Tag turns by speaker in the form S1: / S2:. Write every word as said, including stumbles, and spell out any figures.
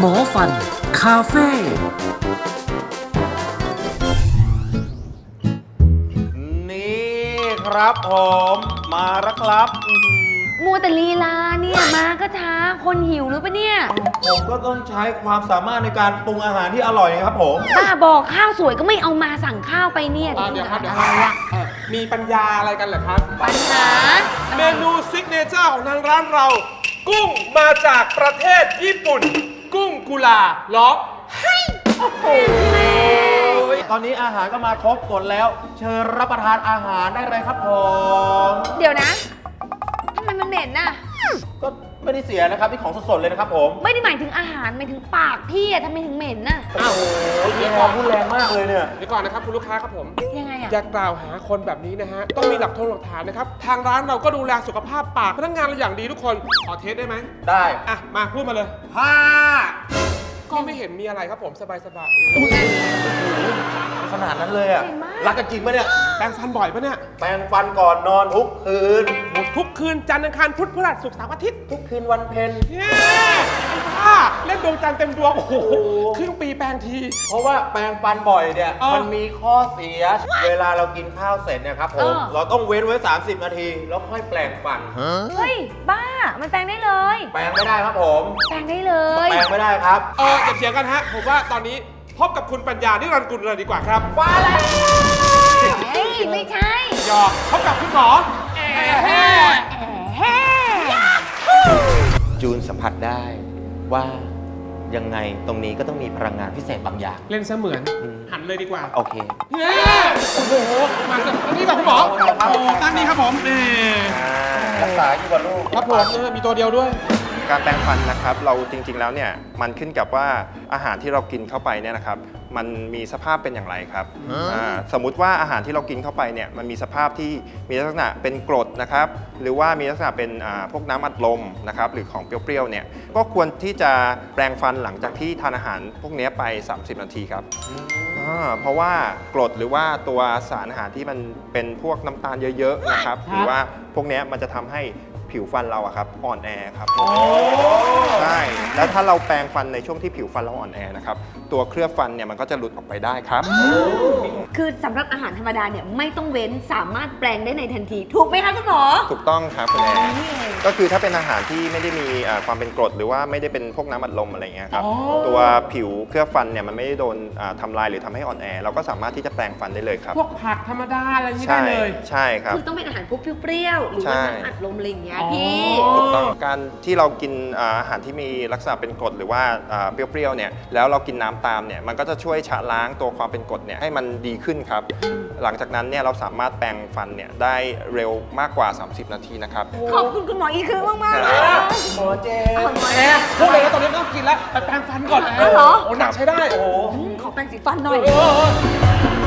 S1: มอฟันคาเฟ่
S2: นี่ครับผมมาแล้วครับ
S3: มัวแต่ลีลาเนี่ยมาก็ช้าคนหิวหรือปะเนี่ย
S2: ผมก็ต้องใช้ความสามารถในการปรุงอาหารที่อร่อยครับผม
S3: ป้าบอกข้าวสวยก็ไม่เอามาสั่งข้าวไปเนี่ย
S4: เดี๋ยวครับเดี๋ยวครับมีปัญญาอะไรกันเหรอครับ
S3: ปัญหา
S4: เมนูซิกเนเจอร์ของทางร้านเรา กุ้งมาจากประเทศญี่ปุ่น กุ้งกุลาล้อให้โอ้โห
S2: ตอนนี้อาหารก็มาครบหมดแล้ว เชิญรับประทานอาหารได้เลยครับผม
S3: เดี๋ยวนะทำไมมันเหม็นน่ะ
S2: ก็ไม่ได้เสียนะครับที่ของสดๆเลยนะครับผม
S3: ไม่ได้หมายถึงอาหารหมายถึงปากพี่อะทำไมถึงเหม็นน่ะ
S2: อ้าวโอ้ยความพูดแรงมากเลยเนี่ย
S4: เดี๋ยวก่อนนะครับคุณลูกค้าครับผม
S3: ยังไงอะ
S4: อย่ากล่าวหาคนแบบนี้นะฮะต้องมีหลักทงหลักฐานนะครับทางร้านเราก็ดูแลสุขภาพปากพนักงานเราอย่างดีทุกคนขอเทสได้ไหม
S2: ได้
S4: อ่ะมาพูดมาเลยห้าก็ไม่เห็นมีอะไรครับผมสบายสบาย
S2: ขนาดนั้นเลยอ่ะรักกันจริงปะเนี่ย
S4: แปรงฟันบ่อยปะเนี่ย
S2: แปรงฟันก่อนนอนทุกคืน
S4: ทุกคืนจันทร์อังคารพุธพฤหัสศุกร์เสาร์อาทิตย์
S2: ทุกคืนวันเพ็ญ
S4: เย้บ้าเล่นดวงจันทร์เต็มดวงโอ้โหครึ่งปีแปลงที
S2: เพราะว่าแปรงฟันบ่อยเนี่ย
S4: เออ
S2: มันมีข้อเสีย เวลาเรากินข้าวเสร็จเนี่ยครับผม เราต้องเว้นไว้ สามสิบ นาที แล้วค่อยแปรงฟัน
S3: เฮ้ยบ้ามันแปลงได้เลย
S2: แปรงไม่ได้ครับผม
S3: แปลงได้เลย
S2: แปรงไม่ได้ครับ
S4: เอออย่าเถียงกันฮะผมว่าตอนนี้พบกับคุณปัญญานิรันดร์กุลเลยดีกว่าครับ
S2: ว่าแล้ว
S3: เฮ้ยไม่ใช่
S4: หยอกพบกับคุณหมอแอแฮ่
S3: แฮ่
S2: จูนสัมผัสได้ว่ายังไงตรงนี้ก็ต้องมีพลังงานพิเศษบางอย่าง
S4: เล่นเสมือน
S2: อืม
S4: หันเลยดีกว่า
S2: โอเค
S4: เย้โอ้โหมาสิอันนี้กับคุณหมอโอ้ตั้งนี้ครับผมนี่
S2: รักษาอยู่กับลูก
S4: ครับผมเออมีตัวเดียวด้วย
S5: การแปรงฟันนะครับเราจริงๆแล้วเนี่ยมันขึ้นกับว่าอาหารที่เรากินเข้าไปเนี่ยนะครับมันมีสภาพเป็นอย่างไรครับอ่าสมมุติว่าอาหารที่เรากินเข้าไปเนี่ยมันมีสภาพที่มีลักษณะเป็นกรดนะครับหรือว่ามีลักษณะเป็นอ่าพวกน้ำอัดลมนะครับหรือของเปรี้ยวๆเนี่ยก็ควรที่จะแปรงฟันหลังจากที่ทานอาหารพวกนี้ไป สามสิบ นาทีครับอ่าเพราะว่ากรดหรือว่าตัวสารอาหารที่มันเป็นพวกน้ำตาลเยอะๆนะครับหรือว่าพวกนี้มันจะทำให้ผิวฟันเราอะครับอ่อนแอครับใช่แล้วถ้าเราแปรงฟันในช่วงที่ผิวฟันเราอ่อนแอนะครับตัวเคลือบฟันเนี่ยมันก็จะหลุดออกไปได้ครับ
S3: คือสำหรับอาหารธรรมดาเนี่ยไม่ต้องเว้นสามารถแปลงได้ในทันที ถูกไหมคะคุณหมอ
S5: ถูกต้องครับคุณแอร์
S3: นี่เอง
S5: ก็คือถ้าเป็นอาหารที่ไม่ได้มีอ่าความเป็นกรดหรือว่าไม่ได้เป็นพวกน้ำอัดลมอะไรเงี้ยครับตัวผิวเคลือบฟันเนี่ยมันไม่ได้โดนอ่าทำลายหรือทำให้อ่อนแอเราก็สามารถที่จะแปรงฟันได้เลยครับ
S4: พวกผักธรรมดาอะไรอย่างนี้ได้
S5: ใช่
S4: เลย
S5: ใช่ครับ
S3: คือต้องเป็นอาหารพวกเปรี้ยวๆหรือว่าน้ำอัดลมอะไรอย่างเงี้ยพี่
S5: ถูกต้องการที่เรากินอ่าอาหารที่มีลักษณะเป็นกรดหรือว่าอ่าเปรี้ยวๆเนี่ยแล้วเรากินน้ำตามเนี่ยมันก็จะช่วยชะล้างตัวความเป็นกรดเนี่ยให้มันดีขึ้นครับหลังจากนั้นเนี่ยเราสามารถแปรงฟันเนี่ยได้เร็วมากกว่า สามสิบ นาทีนะครับ
S3: ขอบคุณคุณหมออีคือมากมากๆเลย
S2: หมอเจม
S3: ขอบคุณ
S4: แอร์พูดเลยแล้วตอนนี้ไม่ต้องกินแล้วไปแปรงฟันก่อนแอร์
S3: เหรอ
S4: โอ้หนักใช้ได้โอ้
S3: ขอแปรงสีฟันหน่อย
S4: เออ